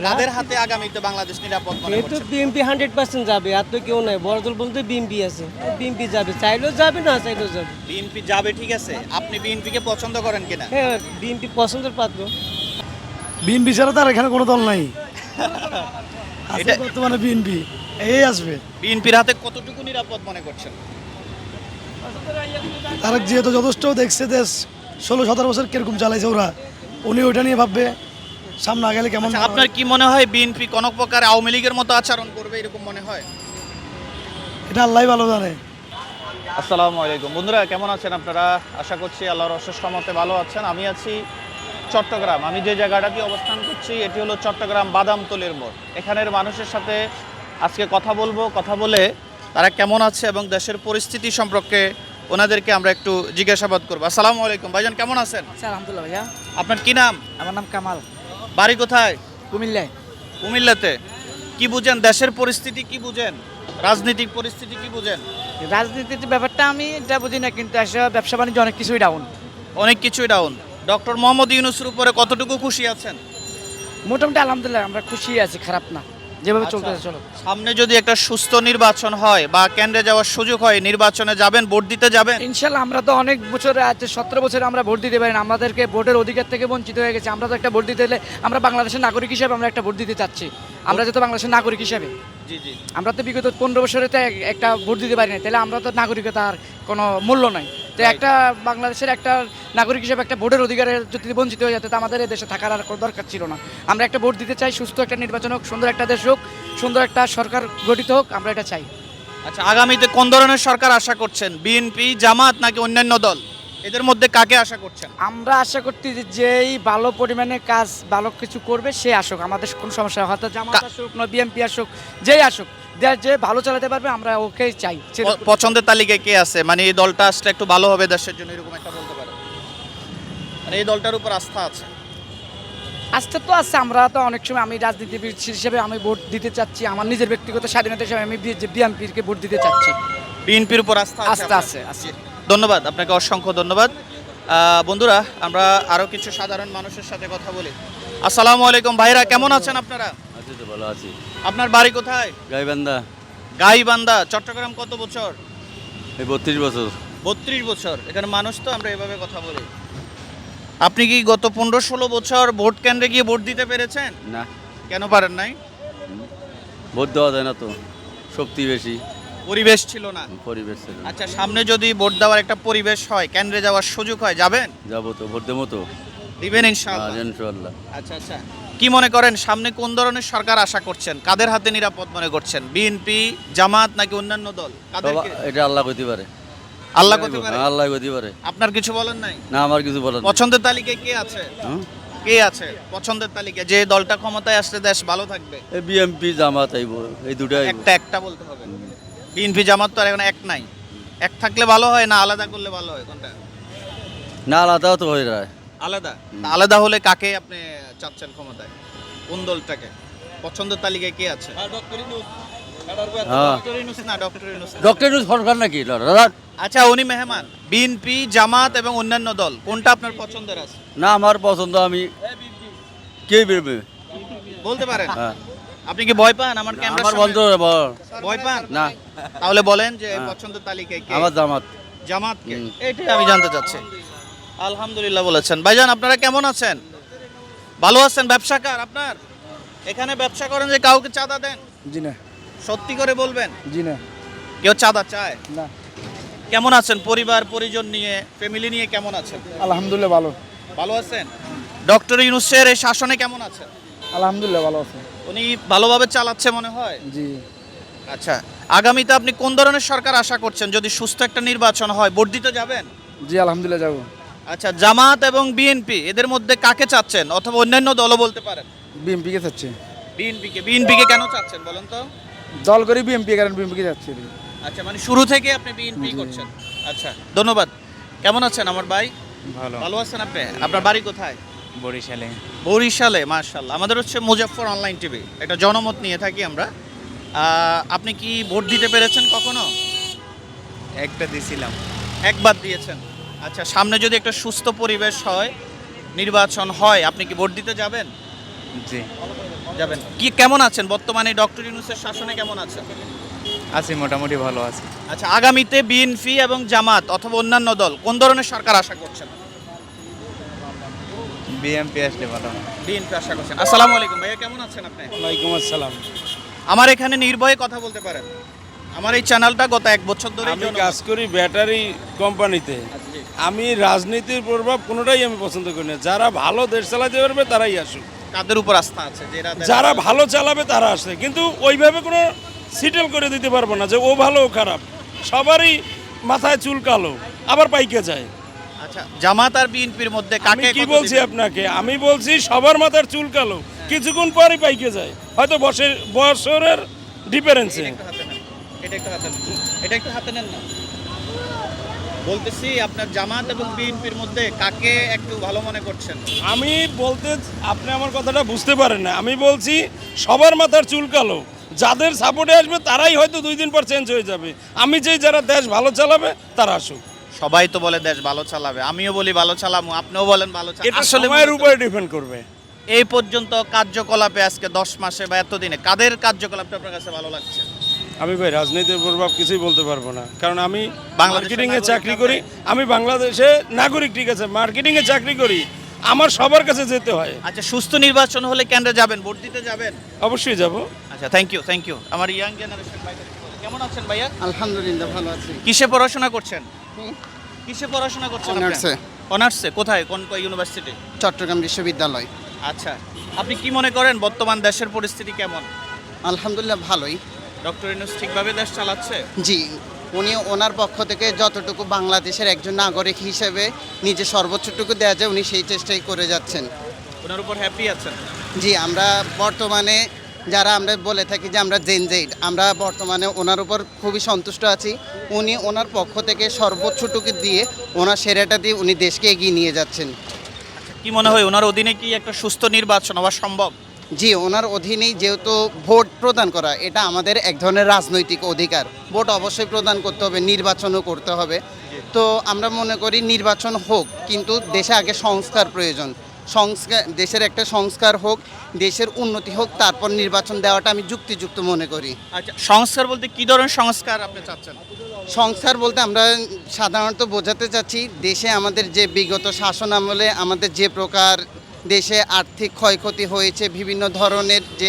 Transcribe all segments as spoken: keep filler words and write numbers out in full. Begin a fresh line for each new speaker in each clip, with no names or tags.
কাদের হাতে আগামীতে বাংলাদেশ নিরাপদ মনে
এই তো
করছেন?
বিএনপি হান্ড্রেড পার্সেন্ট যাবে, আর তো কেউ নাই। বড় দল বলতে বিএনপি আছে, বিএনপি যাবে, চাইলেও যাবে, না চাইলেও যাবে।
বিএনপি যাবে, ঠিক আছে। আপনি বিএনপিকে পছন্দ করেন কিনা?
হ্যাঁ, বিএনপি পছন্দের পাত্র।
বিএনপি ছাড়া তার এখানে কোনো দল নাই। আছে
এটা-
বর্তমানে বিএনপি এই আসবে।
বিএনপির হাতে কতটুকু নিরাপদ মনে করছেন?
তারা যেহেতু যথেষ্ট দেখছে দেশ ষোলো সতেরো বছর কিরকম চালাইছে ওরা, উনি ওইটা নিয়ে ভাববে সামনে আগালে কেমন।
আচ্ছা, আপনার কি মনে হয় বিএনপি কোনো প্রকার আওয়ামী লীগের মতো আচরণ করবে, এরকম মনে হয়?
এটা আল্লাহ ভালো জানে।
আসসালামু আলাইকুম বন্ধুরা, কেমন আছেন আপনারা? আশা করছি আল্লাহর অশেষ রহমতে ভালো আছেন। আমি আছি চট্টগ্রাম। আমি যে জায়গাটাতে অবস্থান করছি এটি হলো চট্টগ্রাম বাদামতলির মোড়। এখানের মানুষের সাথে আজকে কথা বলবো, কথা বলে তারা কেমন আছে এবং দেশের পরিস্থিতি সম্পর্কে ওনাদেরকে আমরা একটু জিজ্ঞাসাবাদ করবো। আসসালামু আলাইকুম ভাইজান, কেমন আছেন?
আচ্ছা, আলহামদুলিল্লাহ ভাইয়া।
আপনার কি নাম?
আমার নাম কামাল,
বাড়ি কোথায়?
কুমিল্লায়।
কুমিল্লাতে। কি বুঝেন দেশের পরিস্থিতি, কি বুঝেন রাজনৈতিক পরিস্থিতি, কি বুঝেন?
রাজনীতির ব্যাপারটা আমি এটা বুঝি না, কিন্তু আসলে ব্যবসা বাণিজ্য অনেক কিছুই ডাউন।
অনেক কিছুই ডাউন। ডক্টর মোহাম্মদ ইউনূসের উপরে কতটুকু খুশি আছেন?
মোটামুটি আলহামদুলিল্লাহ আমরা খুশি আছি, খারাপ না, যেভাবে
আচ্ছা,
চলতেছে চলো।
সামনে যদি একটা সুস্থ নির্বাচন হয় বা কেন্দ্রে যাওয়ার সুযোগ হয়, নির্বাচনে যাবেন, ভোট দিতে যাবেন?
ইনশাল্লাহ। আমরা তো অনেক বছরে আছে, সতেরো বছরে আমরা ভোট দিতে পারি না, আমাদেরকে ভোটের অধিকার থেকে বঞ্চিত হয়ে গেছে। আমরা তো একটা ভোট দিতে হলে আমরা বাংলাদেশের নাগরিক হিসেবে আমরা একটা ভোট দিতে চাচ্ছি। আমরা যেহেতু বাংলাদেশের নাগরিক হিসেবে,
জি জি।
আমরা তো বিগত পনেরো বছরে তো এক- একটা ভোট দিতে পারি না, তাহলে আমরা তো নাগরিকতার কোনো মূল্য নাই। তো
Right.
একটা বাংলাদেশের একটা নাগরিক হিসেবে একটা ভোটের অধিকারের যদি বঞ্চিত হয়ে যেত, তো আমাদের এই দেশে থাকার আর কোনো দরকার ছিল না। আমরা একটা ভোট দিতে চাই, সুস্থ একটা নির্বাচন হোক, সুন্দর একটা দেশ হোক, সুন্দর একটা সরকার গঠিত হোক, আমরা এটা চাই।
আচ্ছা, আগামীতে কোন ধরনের সরকার আশা করছেন? বিএনপি, জামাত নাকি অন্যান্য দল? এদের মধ্যে কাকে আশা করছেন?
আমরা আশা করতে যে যেই ভালো পরিমাণে কাজ ভালো কিছু করবে সে আসুক, আমাদের কোনো সমস্যা হয়, হয়তো জামাত
কা-
আসুক না বিএনপি আসুক, যেই আসুক, যে- যে ভালো চালাতে পারবে আমরা ওকেই চাই।
প- পছন্দের তালিকায় কে আছে, মানে এই দলটা আসলে একটু ভালো হবে দেশের জন্য, এরকম একটা বলতে পারেন? মানে এই দলটার উপর আস্থা আছে?
আস্থা তো আছে। আমরা তো অনেক সময়, আমি রাজনীতিবিদ হিসেবে আমি ভোট দিতে চাচ্ছি, আমার নিজের ব্যক্তিগত স্বাধীনতা হিসেবে আমি বিএনপিকে ভোট দিতে চাচ্ছি।
বিএনপির উপর আস্থা আছে
আস্থা
আপনার?
আছে, আছে।
ধন্যবাদ আপনাকে, অসংখ্য ধন্যবাদ। আহ, বন্ধুরা, আমরা আরো কিছু সাধারণ মানুষের সাথে কথা বলি। আসসালামু আলাইকুম ভাইরা, কেমন আছেন আপনারা?
আছি তো, ভালো আছি।
আপনার বাড়ি কোথায়?
গাইবান্ধা।
গাইবান্ধা। চট্টগ্রাম কত বছর?
এই বত্রিশ বছর।
বত্রিশ বছর। এখানে মানুষ তো আমরা এভাবে কথা বলি। আপনি কি গত পনেরো ষোলো বছর ভোট কেন্দ্রে গিয়ে ভোট দিতে পেরেছেন?
না,
কেন পারেন নাই?
ভোট দেওয়া যায় না তো, শক্তি বেশি,
পরিবেশ ছিল না।
পরিবেশ ছিল না।
আচ্ছা, সামনে যদি ভোট দেওয়ার একটা পরিবেশ হয়, কেন্দ্রে যাওয়ার সুযোগ হয়, যাবেন?
যাবো তো, ভোট দেবো তো।
দিবেন ইনশাআল্লাহ?
আর ইনশাআল্লাহ।
আচ্ছা আচ্ছা। কি মনে করেন সামনে কোন ধরনের সরকার আশা করছেন? কাদের হাতে নিরাপদ মনে করছেন? বিএনপি, জামাত নাকি অন্যান্য দল? কাদেরকে?
সবা- এটা আল্লাহ কইতে পারে।
আল্লাহ করতে পারে।
হ্যাঁ, আল্লাহ কইতে পারে।
আপনার কিছু বলেন নাই?
না, আমার কিছু বলার নেই।
পছন্দের তালিকায় কে আছে?
হুম?
কে আছে পছন্দের তালিকায়, যে দলটা ক্ষমতায় আসলে দেশ ভালো থাকবে?
এই বিএমপি জামাত আইব, এই দুটাই আইব।
একটা একটা বলতে হবে। বিএনপি জামাত তো আর এখন এক নাই। এক থাকলে ভালো হয় না আলাদা করলে ভালো হয়, কোনটা?
না, আলাদাও তো হয়ে যায়।
আলাদা। তা আলাদা হলে কাকে আপনি চাচ্ছেন ক্ষমতায়? কোন দলটাকে? পছন্দের তালিকায় কে আছে?
হ্যাঁ,
ডক্টর ইউনূস না, ডক্টর ইউনূস না।
ডক্টর ইউনূস সরকার নাকি দাদা?
আচ্ছা, উনি মেহমান। বিএনপি, জামাত এবং অন্যান্য দল, কোনটা আপনার পছন্দের আছে?
না, আমার পছন্দ, আমি কে বেরবে?
বলতে পারেন?
হ্যাঁ,
আপনি কি ভয় পান আমার ক্যামেরা?
আমার বন্ধ বল।
ভয় পান
না,
তাহলে বলেন যে
হ্যাঁ।
পছন্দের তালিকায় কে?
আমার জামাত।
জামাত কে?
হুম।
এইটাই আমি জানতে চাচ্ছি। আলহামদুলিল্লাহ বলেছেন। ভাইজান, আপনারা কেমন আছেন? ভালো আছেন? ব্যবসাকার আপনার? এখানে ব্যবসা করেন যে কাউকে চাঁদা দেন?
জি না,
সত্যি করে বলবেন,
জি না,
কেউ চাঁদা চায়?
না।
কেমন আছেন পরিবার পরিজন নিয়ে, ফ্যামিলি নিয়ে কেমন আছেন?
আলহামদুলিল্লাহ ভালো।
ভালো আছেন? ডক্টর ইউনূসের এই শাসনে কেমন আছেন?
আলহামদুলিল্লাহ ভালো আছে।
উনি ভালোভাবে চালাচ্ছে মনে হয়?
জি।
আচ্ছা, আগামীতে আপনি কোন ধরনের সরকার আশা করছেন? যদি সুস্থ একটা নির্বাচন হয়, ভোট দিতে যাবেন?
জি আলহামদুলিল্লাহ যাবো।
আচ্ছা, জামাত এবং বিএনপি এদের মধ্যে কাকে চাচ্ছেন, অথবা অন্যান্য দলও বলতে পারেন?
বিএমপিকে চাচ্ছে।
বিএনপিকে। বিএনপিকে কেন চাচ্ছেন বলেন তো?
দল করে বিএমপি, কারণ বিএমপিকে যাচ্ছে।
আচ্ছা, মানে শুরু থেকে আপনি বিএনপি করছেন। আচ্ছা, ধন্যবাদ। কেমন আছেন আমার ভাই?
ভালো।
ভালো আছেন আপনি? আপনার বাড়ি কোথায়?
বরিশালে।
বরিশালে। মাশাআল্লাহ। আমাদের হচ্ছে মুজাফফর অনলাইন টিভি, এটা জনমত নিয়ে থাকি আমরা। আহ, আপনি কি ভোট দিতে পেরেছেন কখনো?
একটা দিছিলাম।
একবার দিয়েছেন। আচ্ছা, সামনে যদি একটা সুস্থ পরিবেশ হয়, নির্বাচন হয়, আপনি কি ভোট দিতে যাবেন?
জি।
যাবেন। কি কেমন আছেন বর্তমানে ডক্টর ইউনূসের শাসনে কেমন আছেন?
আছি মোটামুটি ভালো আছে।
আচ্ছা, আগামীতে বিএনপি এবং জামাত অথবা অন্যান্য দল কোন ধরনের সরকার আশা করছেন?
বিএমপি আসলে ভালো হয়।
বিএনপি আশা করছেন। আসসালামু আলাইকুম ভাইয়া, কেমন আছেন আপনি?
ওয়ালাইকুম আসসালাম।
আমার এখানে নির্ভয়ে কথা বলতে পারেন। আমার এই চ্যানেলটা গত এক বছর ধরে
আমি কাজ করি ব্যাটারি কোম্পানিতে। আমি রাজনীতির প্রভাব কোনোটাই আমি পছন্দ করি না। যারা ভালো দেশ চালাতে পারবে তারাই আসুক,
কাদের উপর আস্থা আছে? যেরা
যারা ভালো চালাবে তারা আসে, কিন্তু ওইভাবে কোনো সিটেল করে দিতে পারবো না যে ও ভালো ও খারাপ। সবারই মাথায় চুল কালো, আবার পাইকে যায়।
আচ্ছা, জামাত আর বিএনপির মধ্যে
আমি
কাকে
কি
কত
বলছি
দিবেন?
আপনাকে, আমি বলছি সবার মাথার চুল কালো, কিছুক্ষণ পরই পাইকে যায়, হয়তো বছর বছরের ডিফারেন্সে।
এটা একটু হাতে নেন, এটা একটু হাতে নেন, এটা একটু হাতে নেন না। বলতেছি আপনার জামাত এবং বিএনপির মধ্যে কাকে একটু ভালো মনে করছেন?
আমি বলতে, আপনি আমার কথাটা বুঝতে পারেন না। আমি বলছি সবার মাথার চুল কালো, যাদের সাপোর্টে আসবে তারাই হয়তো দুই দিন পর চেঞ্জ হয়ে যাবে। আমি চাই যারা দেশ ভালো চালাবে তারা আসুক।
সবাই তো বলে দেশ ভালো চালাবে, আমিও বলি ভালো চালামু, আপনিও বলেন ভালো চালাবে।
এটা
আসলে
সময়ের
মূলত
উপরে ডিপেন্ড করবে।
এই পর্যন্ত কার্যকলাপে আজকে দশ মাসে বা এতদিনে কাদের কার্যকলাপটা আপনার কাছে ভালো লাগছে?
আমি ভাই রাজনীতির প্রভাব কিছুই বলতে পারবো না, কারণ আমি
বাংলাদেশের
মার্কেটিং এ
নাগরিক
চাকরি
আপনি?
করি। আমি বাংলাদেশে নাগরিক, ঠিক আছে, মার্কেটিং এ চাকরি করি, আমার সবার কাছে যেতে হয়।
আচ্ছা, সুস্থ নির্বাচন হলে কেন্দ্রে যাবেন, ভোট দিতে যাবেন?
অবশ্যই যাব।
আচ্ছা, থ্যাংক ইউ থ্যাংক ইউ। আমার ইয়াং জেনারেশন ভাইদের কি বলে? কেমন আছেন ভাইয়া?
আলহামদুলিল্লাহ ভালো আছি।
কিসে পড়াশোনা করছেন? কিসে পড়াশোনা করছেন?
অনার্সে।
অনার্সে? কোথায়, কোন কোন ইউনিভার্সিটি?
চট্টগ্রাম বিশ্ববিদ্যালয়।
আচ্ছা, আপনি কি মনে করেন বর্তমান দেশের পরিস্থিতি কেমন?
আলহামদুলিল্লাহ ভালোই।
ডক্টর ইউনূস ঠিকভাবে দেশ চালাচ্ছে?
জি, উনি ওনার পক্ষ থেকে যতটুকু বাংলাদেশের একজন নাগরিক হিসেবে নিজে সর্বোচ্চটুকু দেওয়া যায় উনি সেই চেষ্টাই করে যাচ্ছেন।
ওনার উপর হ্যাপি আছেন?
জি, আমরা বর্তমানে যারা আমরা বলে থাকি যে আমরা জেন জেড, আমরা বর্তমানে ওনার উপর খুবই সন্তুষ্ট আছি। উনি ওনার পক্ষ থেকে সর্বোচ্চটুকু দিয়ে ওনার সেরাটা দিয়ে উনি দেশকে এগিয়ে নিয়ে যাচ্ছেন।
কি মনে হয় ওনার অধীনে কি একটা সুস্থ নির্বাচন হওয়া সম্ভব?
জি, ওনার অধীনেই যেহেতু ভোট প্রদান করা এটা আমাদের এক ধরনের রাজনৈতিক অধিকার। ভোট অবশ্যই প্রদান করতে হবে, নির্বাচনও করতে হবে। তো আমরা মনে করি নির্বাচন হোক, কিন্তু দেশে আগে সংস্কার প্রয়োজন। সংস্কার, দেশের একটা সংস্কার হোক, দেশের উন্নতি হোক, তারপর নির্বাচন দেওয়াটা আমি যুক্তিযুক্ত মনে করি।
আচ্ছা, সংস্কার বলতে কি ধরনের সংস্কার আপনি চাচ্ছেন?
সংস্কার বলতে আমরা সাধারণত বোঝাতে চাচ্ছি দেশে আমাদের যে বিগত শাসন আমলে আমাদের যে প্রকার দেশে আর্থিক ক্ষয়ক্ষতি হয়েছে, বিভিন্ন ধরনের যে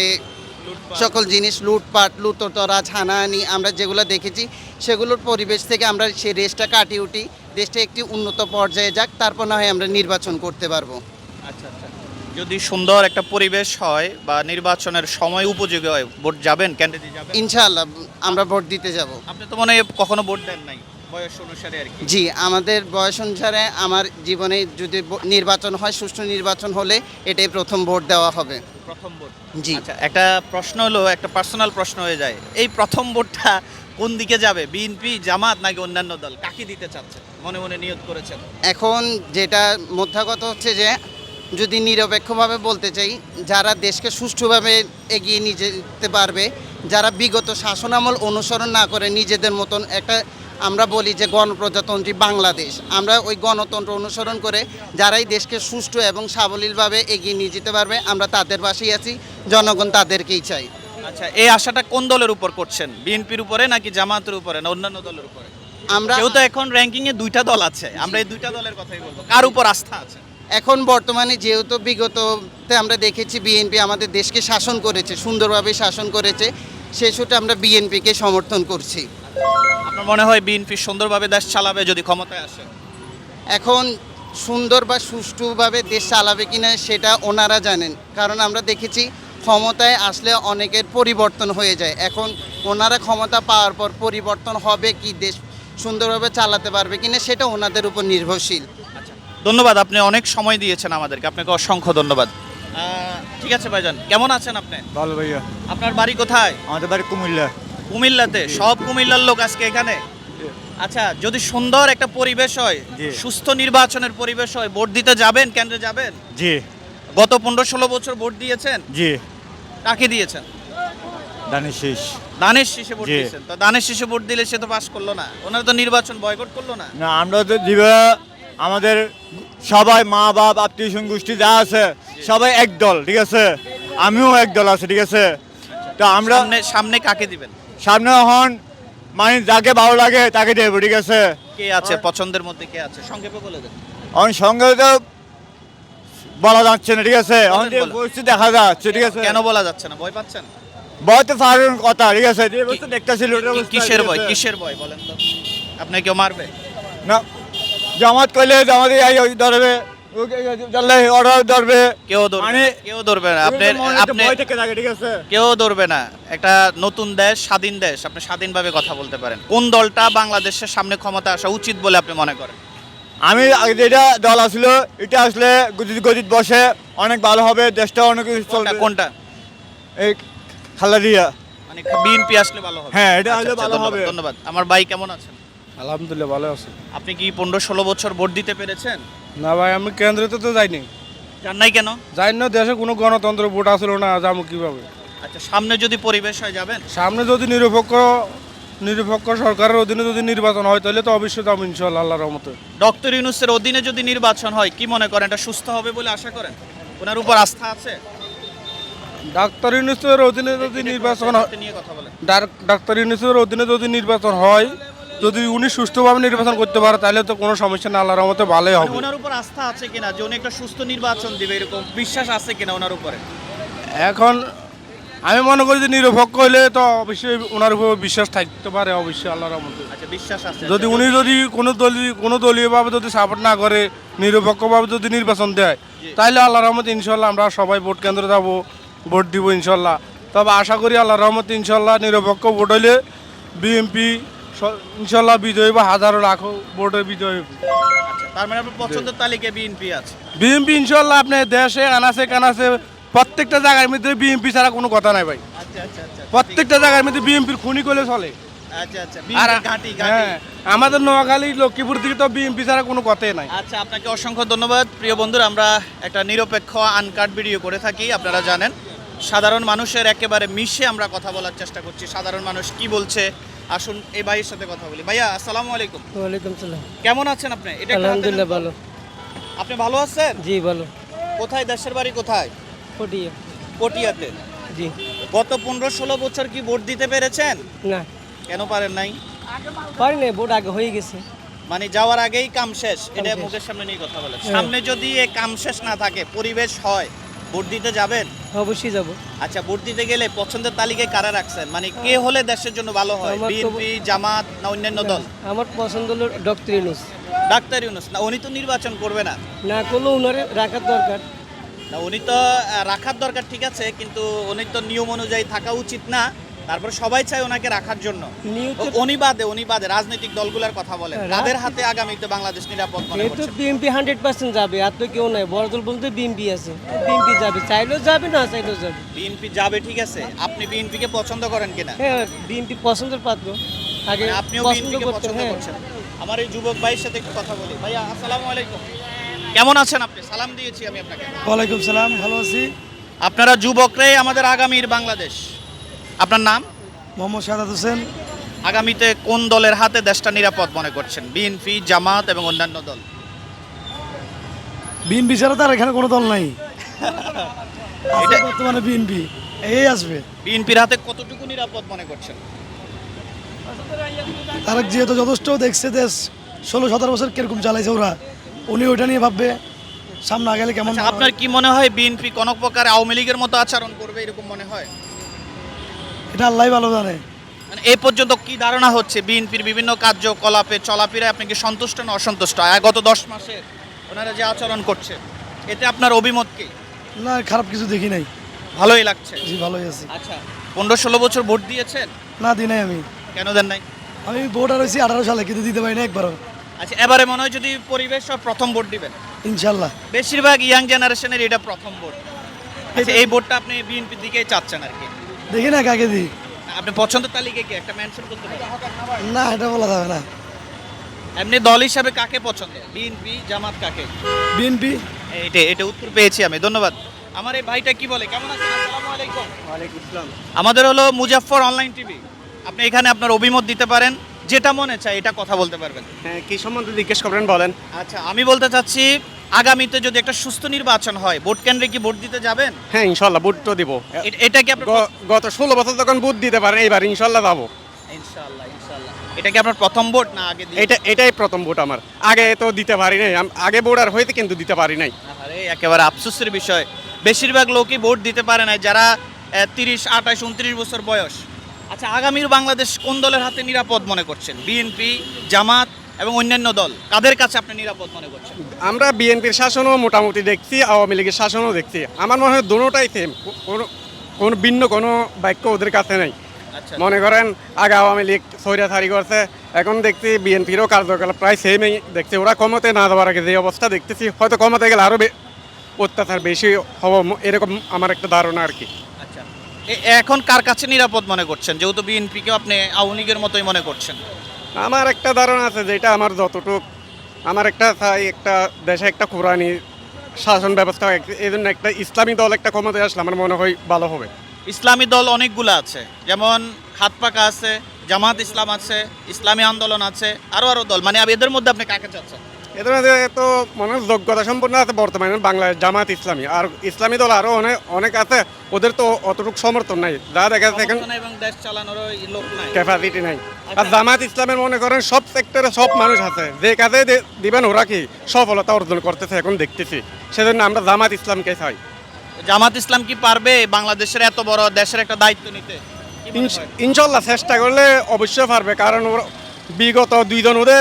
সকল জিনিস লুটপাট, লুটোতরাজ, হানাহানি আমরা যেগুলো দেখেছি, সেগুলোর পরিবেশ থেকে আমরা সেই রেসটা কাটিয়ে উঠি, দেশটা একটি উন্নত পর্যায়ে যাক, তারপর না হয় আমরা নির্বাচন করতে পারবো।
আচ্ছা আচ্ছা, যদি সুন্দর একটা পরিবেশ হয় বা নির্বাচনের সময় উপযোগী হয়, ভোট যাবেন, ক্যান্ডিডেট যাবেন?
ইনশাআল্লাহ আমরা ভোট দিতে যাব।
আপনি তো মনে হয় কখনো ভোট দেন নাই, বয়স অনুসারে আর কি।
জি, আমাদের বয়স অনুসারে আমার জীবনে যদি ব- নির্বাচন হয়, সুষ্ঠু নির্বাচন হলে এটাই প্রথম ভোট দেওয়া হবে।
প্রথম ভোট?
জি।
আচ্ছা, একটা প্রশ্ন হলো, একটা পার্সোনাল প্রশ্ন হয়ে যায়, এই প্রথম ভোটটা কোন দিকে যাবে? বিএনপি, জামাত নাকি অন্যান্য দল? কাকে দিতে চাচ্ছেন, মনে মনে নিয়ত করেছেন?
এখন যেটা মোদ্দা কথা হচ্ছে যে যদি নিরপেক্ষভাবে বলতে চাই, যারা দেশকে সুষ্ঠুভাবে এগিয়ে নিয়ে যেতে পারবে, যারা বিগত শাসনামল অনুসরণ না করে নিজেদের মতন একটা, আমরা বলি যে গণপ্রজাতন্ত্রী বাংলাদেশ, আমরা ওই গণতন্ত্র অনুসরণ করে যারাই দেশকে সুষ্ঠু এবং সাবলীলভাবে এগিয়ে নিয়ে যেতে পারবে, আমরা তাদের পাশেই আছি, জনগণ তাদেরকেই চাই।
আচ্ছা, এই আশাটা কোন দলের উপর করছেন? বিএনপির উপরে নাকি জামাতের উপরে না অন্যান্য দলের উপরে?
আমরা
যেহেতু এখন র্যাঙ্কিং এ দুইটা দল আছে, আমরা এই দুইটা দলের কথাই বলবো, কার উপর আস্থা আছে?
এখন বর্তমানে যেহেতু বিগততে আমরা দেখেছি বিএনপি আমাদের দেশকে শাসন করেছে, সুন্দরভাবে শাসন করেছে, সেই সূত্রে আমরা বিএনপিকে সমর্থন করছি।
আপনার মনে হয় বিএনপি সুন্দরভাবে দেশ চালাবে যদি ক্ষমতায় আসে?
এখন সুন্দর বা সুষ্ঠুভাবে দেশ চালাবে কিনা সেটা ওনারা জানেন, কারণ আমরা দেখেছি ক্ষমতায় আসলে অনেকের পরিবর্তন হয়ে যায়। এখন ওনারা ক্ষমতা পাওয়ার পর পরিবর্তন হবে কি, দেশ সুন্দরভাবে চালাতে পারবে কিনা সেটা ওনাদের উপর নির্ভরশীল।
ধন্যবাদ, আপনি অনেক সময় দিয়েছেন আমাদেরকে, আপনাকে অসংখ্য ধন্যবাদ। আহ, ঠিক আছে ভাইজান, কেমন আছেন আপনি?
ভালো ভাইয়া,
আপনার বাড়ি কোথায়?
আমাদের বাড়ি কুমিল্লা।
কুমিল্লাতে? সব কুমিল্লার লোক আজকে এখানে? আচ্ছা, যদি সুন্দর একটা পরিবেশ হয়,
জি।
সুস্থ নির্বাচনের পরিবেশ হয়, ভোট দিতে যাবেন, কেন্দ্রে যাবেন?
জি
গত পনেরো ষোলো বছর ভোট দিয়েছেন?
জি
কাকে দিয়েছেন?
দানের শেষ।
দানের শীষে ভোট
জি।
দিয়েছেন? তো দানের শীষে ভোট দিলে সে তো পাস করলো না, ওনারা তো নির্বাচন বয়কট করলো না?
না, আমরা তো দিবা আমাদের সবাই মা বাপ আত্মীয় স্বজন গোষ্ঠী যা আছে সবাই এক দল, ঠিক আছে। আমিও এক দল আছে ঠিক আছে তো আমরা
সামনে সামনে কাকে দিবেন?
সামনে হন মানে যাকে ভালো লাগে তাকে দেবো ঠিক আছে
কে আছে পছন্দের মধ্যে, কে আছে সংক্ষেপে বলে দেন।
অন সঙ্গে তো বলা যাচ্ছে না ঠিক আছে অন যে
বলেন।
পরিস্থিতি দেখা যাচ্ছে ঠিক আছে
কেন বলা যাচ্ছে না? ভয় পাচ্ছেন?
ভয় তো পারেন কথা ঠিক আছে যে বস্তু দেখতেছিল
কি- কিসের ভয়, কিসের ভয় বলেন তো? আপনি কেউ মারবে?
না জামাত কইলে জামাত এই ধরবে অর্ডার ধরবে
কেউ ধরবে
মানে
না, কেউ ধরবে না। আপনি আপনি
ভয় থেকে থাকে ঠিক আছে
কেউ ধরবে না। একটা নতুন দেশ, স্বাধীন দেশ, আপনি স্বাধীনভাবে কথা বলতে পারেন। কোন দলটা বাংলাদেশের সামনে ক্ষমতা আসা উচিত বলে আপনি মনে করেন?
আমি আগে যেটা দল আসলো এটা আসলে গদিত গদিত বসে অনেক ভালো হবে দেশটা অনেক কিছু
কোনটা
চলবে
কোনটা
এই খালা দিয়া
মানে বিএনপি আসলে ভালো হবে?
হ্যাঁ, এটা
আচ্ছা,
আসলে
আচ্ছা,
ভালো
ধন্যবাদ,
হবে।
ধন্যবাদ। আমার ভাই কেমন আছেন?
আলহামদুলিল্লাহ ভালো আছে।
আপনি কি পনেরো ষোলো বছর ভোট দিতে পেরেছেন?
না ভাই আমি কেন্দ্রেতে তো যাইনি,
জান নাই কেন?
যাই না, দেশে কোনো গণতন্ত্র ভোট আসলো না, যাবো কিভাবে?
আচ্ছা, সামনে যদি পরিবেশ হয় যাবেন?
সামনে যদি নিরপেক্ষ নিরপেক্ষ সরকারের অধীনে যদি নির্বাচন হয় তাহলে তো অবশ্যই যাবো ইনশাল্লাহ আল্লাহর রহমতে।
ডক্টর ইউনূসের অধীনে যদি নির্বাচন হয় কি মনে করেন এটা সুস্থ হবে বলে আশা করেন? ওনার উপর আস্থা আছে?
ডাক্তার ইউনূসের অধীনে যদি নির্বাচন হয়,
হাতে নিয়ে কথা বলেন।
ডাক- ডাক্তার ইউনূসের অধীনে যদি নির্বাচন হয়, যদি উনি সুষ্ঠুভাবে নির্বাচন করতে পারে তাহলে তো কোনো সমস্যা না, আল্লাহর রহমতে ভালোই
মানে
হবে।
ওনার উপর আস্থা আছে কিনা যে উনি একটা সুস্থ নির্বাচন দিবে, এরকম বিশ্বাস আছে কিনা ওনার উপরে?
এখন আমি মনে করি যে নিরপেক্ষ হইলে তো অবশ্যই ওনার উপর বিশ্বাস থাকতে পারে, অবশ্যই আল্লাহর রহমতে।
আচ্ছা, বিশ্বাস আছে।
যদি উনি যদি কোনো দলীয় কোনো দলীয়ভাবে যদি সাপোর্ট না করে, নিরপেক্ষভাবে যদি নির্বাচন দেয় তাহলে আল্লাহর রহমতে ইনশাল্লাহ আমরা সবাই ভোট কেন্দ্রে যাবো, ভোট দিব ইনশাল্লাহ। তবে আশা করি আল্লাহর রহমতে ইনশাল্লাহ নিরপেক্ষ ভোট হইলে বিএনপি ইনশাল্লাহ বিজয়ী বা হাজারো লাখো ভোটে বিজয়ী।
আচ্ছা, তার মানে আপনার পছন্দের তালিকায় বিএনপি আছে?
বিএনপি ইনশাল্লাহ আপনার দেশে আনাচে কানাচে প্রত্যেকটা জায়গার মধ্যে বিএনপি ছাড়া কোনো কথা নাই ভাই।
আচ্ছা আচ্ছা আচ্ছা
প্রত্যেকটা জায়গার মধ্যে বিএনপির খুনি করলে চলে।
আচ্ছা আচ্ছা
আর
বিএনপির ঘাঁটি ঘাঁটি।
হ্যাঁ, আমাদের নোয়াখালী লক্ষ্মীপুর দিকে তো বিএনপি ছাড়া কোনো কথাই নাই।
আচ্ছা, আপনাকে অসংখ্য ধন্যবাদ। প্রিয় বন্ধুরা, আমরা একটা নিরপেক্ষ আনকাট ভিডিও করে থাকি, আপনারা জানেন। সাধারণ মানুষের একেবারে মিশে আমরা কথা বলার চেষ্টা করছি। সাধারণ মানুষ কি বলছে, আসুন এই ভাইয়ের সাথে কথা বলি। ভাইয়া আসসালামু আলাইকুম।
ওয়ালাইকুম সালাম।
কেমন আছেন আপনি? এটা একটু হাতে নেন।
ভালো।
আপনি ভালো আছেন?
জি ভালো।
কোথায়, দেশের বাড়ি কোথায়?
পটিয়া।
পটিয়াতে।
জি।
গত পনেরো ষোলো বছর কি ভোট দিতে পেরেছেন?
না
কেন পারেন নাই?
পারি না, ভোট আগে হয়ে গেছে।
মানে যাওয়ার আগেই কাম শেষ, এটা
শেষ।
মুখের সামনে নিয়ে কথা বলেন।
হ্যাঁ।
সামনে যদি এ কাম শেষ না থাকে, পরিবেশ হয়, ভোট দিতে যাবেন?
অবশ্যই যাব।
আচ্ছা, ভোট দিতে গেলে পছন্দের তালিকায় কারা রাখছেন? মানে কে হলে দেশের জন্য ভালো হয়?
আমার তো-
বিএনপি, জামাত না অন্যান্য দল?
আমার পছন্দ হলো ডক্টর ইউনূস।
ডাক্তার ইউনূস না, উনি তো নির্বাচন করবে না।
না করলেও উনারে রাখার দরকার।
না, উনি তো আহ, রাখার দরকার ঠিক আছে, কিন্তু উনি তো নিয়ম অনুযায়ী থাকা উচিত না। তারপর সবাই চায় ওনাকে রাখার জন্য।
নিউজ
ও- উনি বাদে উনি বাদে রাজনৈতিক দলগুলোর কথা বলেন,
হ্যাঁ,
কাদের হাতে আগামীতে বাংলাদেশ নিরাপদ মনে
এই তো
করছেন?
বিএনপি হান্ড্রেড পার্সেন্ট যাবে, আর তো কেউ নাই। বড় দল বলতে বিএনপি আছে, বিএনপি যাবে, চাইলেও যাবে না চাইলেও যাবে।
বিএনপি যাবে ঠিক আছে, আপনি বিএনপি কে পছন্দ করেন কিনা?
হ্যাঁ, বিএনপি পছন্দের পাত্র। আগে
মানে আপনিও
পছন্দ
বিএনপি কে
করতেন।
পছন্দ
হ্যাঁ,
করছেন। আমার এই যুবক ভাইয়ের সাথে একটু কথা বলি। ভাইয়া আসসালামু আলাইকুম, কেমন আছেন আপনি? সালাম দিয়েছি আমি আপনাকে।
ওয়ালাইকুম সালাম, ভালো আছি।
আপনারা যুবকরাই আমাদের আগামীর বাংলাদেশ। আপনার নাম?
মোহাম্মদ সাদাত হোসেন।
আগামীতে কোন দলের হাতে দেশটা নিরাপদ মনে করছেন? বিএনপি, জামাত এবং অন্যান্য দল?
বিএনপি ছাড়া তার এখানে কোনো দল নাই।
এটা-
এটা বর্তমানে বিএনপি এই আসবে।
বিএনপির হাতে কতটুকু নিরাপদ মনে করছেন?
তার যেহেতু যথেষ্ট দেখছে দেশ ষোলো সতেরো বছর কিরকম চালাইছে ওরা, উনি ওইটা নিয়ে ভাববে সামনে আগালে কেমন।
আচ্ছা, আপনার কি মনে হয় বিএনপি কোনো প্রকার আওয়ামী লীগের মতো আচরণ করবে, এরকম মনে হয়?
এটা আল্লাহ ভালো জানে।
মানে এই পর্যন্ত কি ধারণা হচ্ছে বিএনপির বিভিন্ন কার্যকলাপে চলাফেরায় আপনি কি সন্তুষ্ট না অসন্তুষ্ট? আর গত দশ মাসে ওনারা যে আচরণ করছে, এতে আপনার অভিমত কি?
না, খারাপ কিছু দেখি নাই,
ভালোই লাগছে।
জি ভালোই আছি।
আচ্ছা, পনেরো ষোলো বছর ভোট দিয়েছেন?
না দিই নাই আমি।
কেন দেন নাই?
আমি ভোট আর হয়েছি আঠারো সালে, কিন্তু দিতে পারি না একবারও।
আচ্ছা, এবারে মনে হয় যদি পরিবেশ হয় প্রথম ভোট দিবেন।
ইনশাল্লাহ।
বেশিরভাগ ইয়াং জেনারেশনের এটা প্রথম ভোট। আচ্ছা, এই ভোটটা আপনি বিএনপির দিকেই চাচ্ছেন আর কি?
দেখি না কাকে দিই।
আপনি পছন্দের তালিকায় কি একটা মেনশন করতে পারেন?
না, এটা বলা যাবে না।
এমনি দল হিসাবে কাকে পছন্দ? বিএনপি, জামাত, কাকে?
বিএনপি।
এটা এটা উত্তর পেয়েছি আমি, ধন্যবাদ। আমার এই ভাইটা কি বলে, কেমন আছেন? আসসালামু আলাইকুম।
ওয়ালাইকুম আসসালাম।
আমাদের হলো মুজাফফর অনলাইন টিভি। আপনি এখানে আপনার অভিমত দিতে পারেন, যেটা মনে চায় এটা কথা বলতে পারবেন।
হ্যাঁ, কি সম্বন্ধে জিজ্ঞেস করবেন বলেন।
আচ্ছা, আমি বলতে চাচ্ছি আগামীতে যদি একটা সুস্থ নির্বাচন হয় ভোট কেন্দ্রে কি ভোট দিতে যাবেন?
হ্যাঁ ইনশাল্লাহ ভোট তো দিব।
এ- এটা কি আপনার
গ- গত ষোলো বছর যখন ভোট দিতে পারেন এইবার ইনশাল্লাহ যাবো।
ইনশাআল্লাহ ইনশাআল্লাহ এটা কি আপনার প্রথম ভোট না আগে দিয়ে?
এটা এটাই প্রথম ভোট আমার, আগে তো দিতে পারি নাই। আম- আগে ভোট আর হয়েছে কিন্তু দিতে পারি নাই।
আরে একেবারে আফসোসের বিষয়, বেশিরভাগ লোকই ভোট দিতে পারে না যারা তিরিশ আঠাশ উনত্রিশ বছর বয়স। আচ্ছা, আগামীর বাংলাদেশ কোন দলের হাতে নিরাপদ মনে করছেন? বিএনপি, জামাত এবং অন্যান্য দল, কাদের কাছে আপনি নিরাপদ মনে করছেন?
আমরা বিএনপির শাসনও মোটামুটি দেখছি, আওয়ামী লীগের শাসনও দেখছি। আমার মনে হয় দুটোটাই সেম, কোনো কোনো ভিন্ন কোনো বাক্য ওদের কাছে নেই।
আচ্ছা,
মনে করেন আগে আওয়ামী লীগ স্বৈরাচারী করছে, এখন দেখছি বিএনপিরও কার্যকলাপ প্রায় সেমই দেখছি। ওরা ক্ষমতায় না যাওয়ার আগে যে অবস্থা দেখতেছি, হয়তো ক্ষমতায় গেলে আরও অত্যাচার বেশি হওয়া এরকম আমার একটা ধারণা আর কি।
আচ্ছা, এ- এখন কার কাছে নিরাপদ মনে করছেন, যেহেতু বিএনপিকে আপনি আওয়ামী লীগের মতোই মনে করছেন?
আমার একটা ধারণা আছে যেটা আমার যতটুক, আমার একটা চাই একটা দেশে একটা কোরআনি শাসন ব্যবস্থা, এই জন্য একটা ইসলামী দল একটা ক্ষমতায় আসলে আমার মনে হয় ভালো হবে।
ইসলামী দল অনেকগুলো আছে, যেমন হাত পাকা আছে, জামাত ইসলাম আছে, ইসলামী আন্দোলন আছে, আরো আরো দল, মানে এদের মধ্যে আপনি কাকে চাচ্ছেন?
এদের মধ্যে তো মনে হয় যোগ্যতা সম্পন্ন আছে বর্তমানে বাংলাদেশ জামাত ইসলামী, আর ইসলামী দল আরও অনেক অনেক আছে, ওদের তো অতটুকু সমর্থন নাই, যা দেখা যাচ্ছে এখন
সমর্থন এবং দেশ চালানোর লোক নাই।
ক্যাপাসিটি নাই। আর জামাত ইসলামের মনে করেন সব সেক্টরে সব মানুষ আছে, যে কাজে দে- দিবেন ওরা কি সফলতা অর্জন করতেছে এখন দেখতেছি, সেজন্য আমরা জামাত ইসলামকে চাই।
জামাত ইসলাম কি পারবে বাংলাদেশের এত বড় দেশের একটা দায়িত্ব নিতে? কি মনে
ইনশ-
হয়?
ইনশাল্লাহ চেষ্টা করলে অবশ্যই পারবে, কারণ ওরা বিগত দুইজন ওদের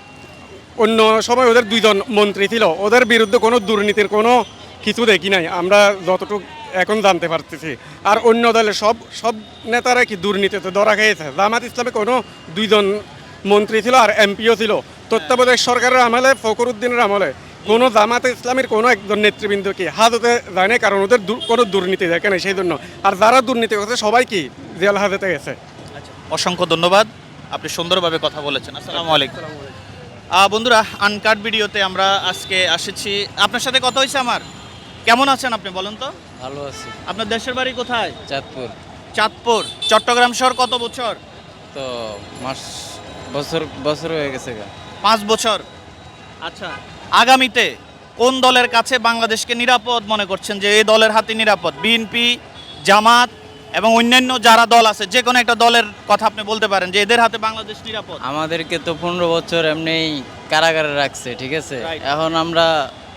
অন্য সময় ওদের দুইজন মন্ত্রী ছিল, ওদের বিরুদ্ধে কোনো দুর্নীতির কোনো কিছু দেখি নাই আমরা যতটুকু এখন জানতে পারতেছি। আর অন্য দলের সব সব নেতারা কি দুর্নীতিতে ধরা খেয়েছে। জামাত ইসলামে কোনো দুইজন মন্ত্রী ছিল আর এমপিও ছিল তত্ত্বাবধায়ক সরকারের আমলে, ফখরুদ্দিনের আমলে কোনো জামাত ইসলামের কোনো একজন নেতৃবৃন্দ কি হাজতে যায় না, কারণ ওদের দু- কোনো দুর্নীতি দেখে নাই সেই জন্য। আর যারা দুর্নীতি করছে সবাই কি জেল হাজতে গেছে।
অসংখ্য ধন্যবাদ, আপনি সুন্দরভাবে কথা বলেছেন। আসসালামু আলাইকুম। আহ, বন্ধুরা, আনকাট ভিডিওতে আমরা আজকে এসেছি, আপনার সাথে কথা হয়েছে আমার। কেমন আছেন আপনি বলেন তো?
ভালো আছি।
আপনার দেশের বাড়ি কোথায়?
চাঁদপুর।
চাঁদপুর। চট্টগ্রাম শহর কত বছর?
তো মাস বছর বছর হয়ে গেছে গা।
পাঁচ বছর। আচ্ছা, আগামীতে কোন দলের কাছে বাংলাদেশকে নিরাপদ মনে করছেন, যে এই দলের হাতে নিরাপদ? বিএনপি, জামাত এবং অন্যান্য যারা দল আছে, যে কোনো একটা দলের কথা আপনি বলতে পারেন যে এদের হাতে বাংলাদেশ নিরাপদ।
আমাদেরকে তো পনেরো বছর এমনি কারাগারে রাখছে, ঠিক আছে।
Right.
এখন আমরা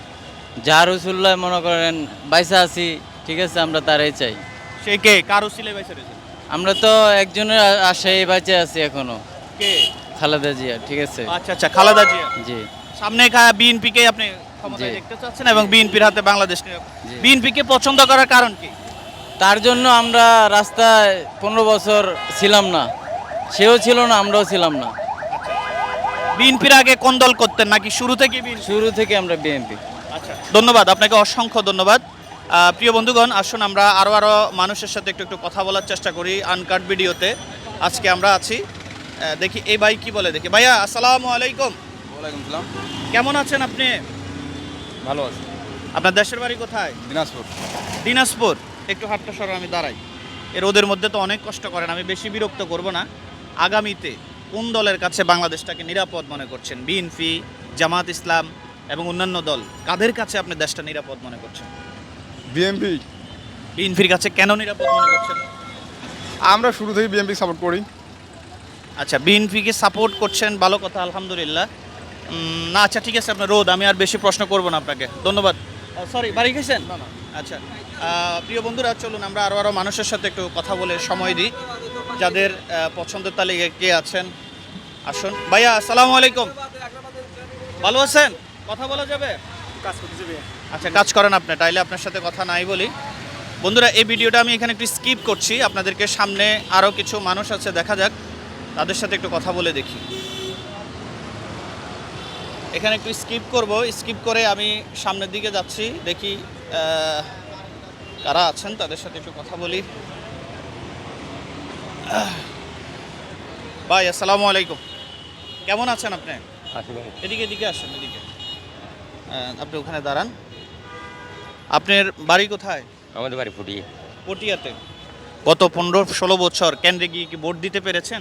যার উসুল্লাহ মনে করেন বাইসা আছি, ঠিক আছে, আমরা তারাই চাই।
সে কে? কারো সিলে বাইসে রয়েছে?
আমরা তো একজনের আ- আশায় বাইচে আছি এখনো,
কে?
খালেদা জিয়া, ঠিক আছে।
আচ্ছা আচ্ছা, খালেদা জিয়া।
জি
সামনে বিএনপি কে আপনি ক্ষমতায়
জি।
দেখতে চাচ্ছেন এবং বিএনপির হাতে বাংলাদেশ নিরাপদ।
জি।
বিএনপি কে পছন্দ করার কারণ কি?
তার জন্য আমরা রাস্তায় পনেরো বছর ছিলাম না, সেও ছিল না, আমরাও ছিলাম না।
বিএনপির আগে কোন দল করতেন, নাকি শুরু থেকে বিএনপি?
শুরু থেকে আমরা বিএনপি।
আচ্ছা, ধন্যবাদ আপনাকে, অসংখ্য ধন্যবাদ। আহ, প্রিয় বন্ধুগণ, আসুন আমরা আরও আরও মানুষের সাথে একটু একটু কথা বলার চেষ্টা করি আনকাট ভিডিওতে। আজকে আমরা আছি, আহ, দেখি এই ভাই কি বলে। দেখি ভাইয়া, আসসালামু আলাইকুম।
ওয়ালাইকুম সালাম।
কেমন আছেন আপনি?
ভালো আছি।
আপনার দেশের বাড়ি কোথায়?
দিনাজপুর।
দিনাজপুর। একটু হাতটা সরো, আমি দাঁড়াই। এর ওদের মধ্যে তো অনেক কষ্ট করেন, আমি বেশি বিরক্ত করব না। আগামীতে কোন দলের কাছে বাংলাদেশটাকে নিরাপদ মনে করছেন? বিএনপি, জামাত ইসলাম এবং অন্যান্য দল, কাদের কাছে আপনি দেশটা নিরাপদ মনে করছেন?
বিএমপি।
বিএনপির কাছে কেন নিরাপদ মনে করছেন?
আমরা শুরু থেকে বিএমপি সাপোর্ট করি।
আচ্ছা, বিএনপিকে সাপোর্ট করছেন, ভালো কথা, আলহামদুলিল্লাহ। উম, না আচ্ছা ঠিক আছে, আপনার রোদ, আমি আর বেশি প্রশ্ন করব না আপনাকে, ধন্যবাদ। সরি, বাড়ি গেছেন? আচ্ছা, আহ, প্রিয় বন্ধুরা, চলুন আমরা আরও আরও মানুষের সাথে একটু কথা বলে সময় দিই, যাদের আহ, পছন্দের তালিকায় কে আছেন। আসুন ভাইয়া, আসসালামু আলাইকুম। ভালো আছেন? কথা বলা যাবে? আচ্ছা, কাজ করেন আপনি, তাইলে আপনার সাথে কথা নাই বলি। বন্ধুরা, এই ভিডিওটা আমি এখানে একটু স্কিপ করছি, আপনাদেরকে সামনে আরও কিছু মানুষ আছে, দেখা যাক, তাদের সাথে একটু কথা বলে দেখি। এখানে একটু স্কিপ করব, স্কিপ করে আমি সামনের দিকে যাচ্ছি, দেখি আহ, কারা আছেন, তাদের সাথে একটু কথা বলি। আহ, ভাই আসসালামু আলাইকুম, কেমন আছেন আপনি? এদিকে এদিকে আসেন, এদিকে। আহ, আপনি ওখানে দাঁড়ান। আপনার বাড়ি কোথায়?
আমাদের বাড়ি ফুটিয়ে।
পটিয়াতে। গত পনেরো ষোলো বছর কেন্দ্রে গিয়ে কি ভোট দিতে পেরেছেন?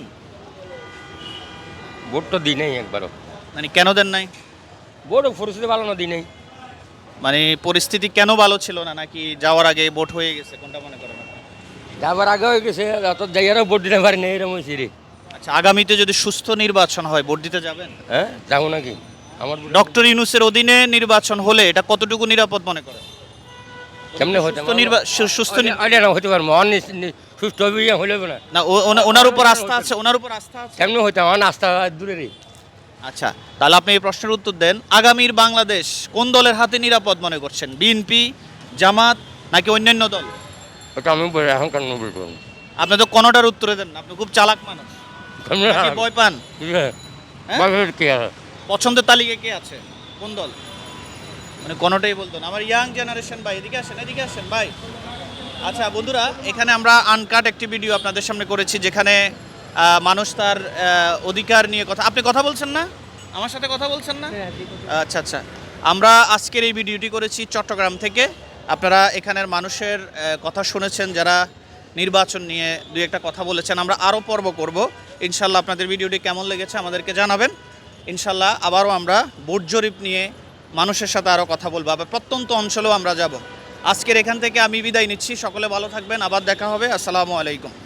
ভোট তো দিই নেই একবারও।
মানে কেন দেন নাই?
ভোট পরিস্থিতি ভালো না দিই নেই।
মানে পরিস্থিতি কেন ভালো ছিল না, নাকি যাওয়ার আগে ভোট হয়ে গেছে, কোনটা মনে করেন আপনি?
যাবার আগে হয়ে গেছে অত জায়গারও ভোট দিতে পারি না এরকম হয়েছে রে।
আচ্ছা, আগামীতে যদি সুস্থ নির্বাচন হয় ভোট দিতে যাবেন?
হ্যাঁ যাবো নাকি আমার
ডক্টর ইউনূসের অধীনে নির্বাচন হলে এটা কতটুকু নিরাপদ মনে করেন?
কেমনে হতে
সুস্থ নির্বা- সু- সুস্থ নি-
আইডিয়া না হতে পারবো অন সুস্থ হবে হইলে হবে না
না ও- ওনা- ওনার উপর আস্থা আছে, ওনার উপর আস্থা আছে।
কেমনে হইতে আমার নাস্তা দূরে রে।
আচ্ছা, তাহলে আপনি এই প্রশ্নের উত্তর দেন। আগামীর বাংলাদেশ কোন দলের হাতে নিরাপদ মনে করছেন? বিএনপি, জামাত নাকি অন্যান্য দল?
ওটা আমি বলি এখন কেন বলবো
আপনি তো কোনোটার উত্তরে দেন না, আপনি খুব চালাক মানুষ। নাকি ভয় পান? হ্যাঁ?
কি আছে
পছন্দের তালিকায় কে আছে, কোন দল? মানে কোনোটাই বলতো না। আমার ইয়াং জেনারেশন ভাই, এদিকে আসেন, এদিকে আসেন ভাই। আচ্ছা বন্ধুরা, এখানে আমরা আনকাট একটি ভিডিও আপনাদের সামনে করেছি, যেখানে আহ, মানুষ তার আহ, অধিকার নিয়ে কথা। আপনি কথা বলছেন না, আমার সাথে কথা বলছেন না? আচ্ছা আচ্ছা, আমরা আজকের এই ভিডিওটি করেছি চট্টগ্রাম থেকে। আপনারা এখানের মানুষের আহ, কথা শুনেছেন, যারা নির্বাচন নিয়ে দুই একটা কথা বলেছেন। আমরা আরও পর্ব করব ইনশাল্লাহ। আপনাদের ভিডিওটি কেমন লেগেছে আমাদেরকে জানাবেন। ইনশাল্লাহ আবারও আমরা ভোট জরিপ নিয়ে মানুষের সাথে আরও কথা বলবো, আবার প্রত্যন্ত অঞ্চলেও আমরা যাব। আজকের এখান থেকে আমি বিদায় নিচ্ছি, সকলে ভালো থাকবেন, আবার দেখা হবে। আসসালামু আলাইকুম।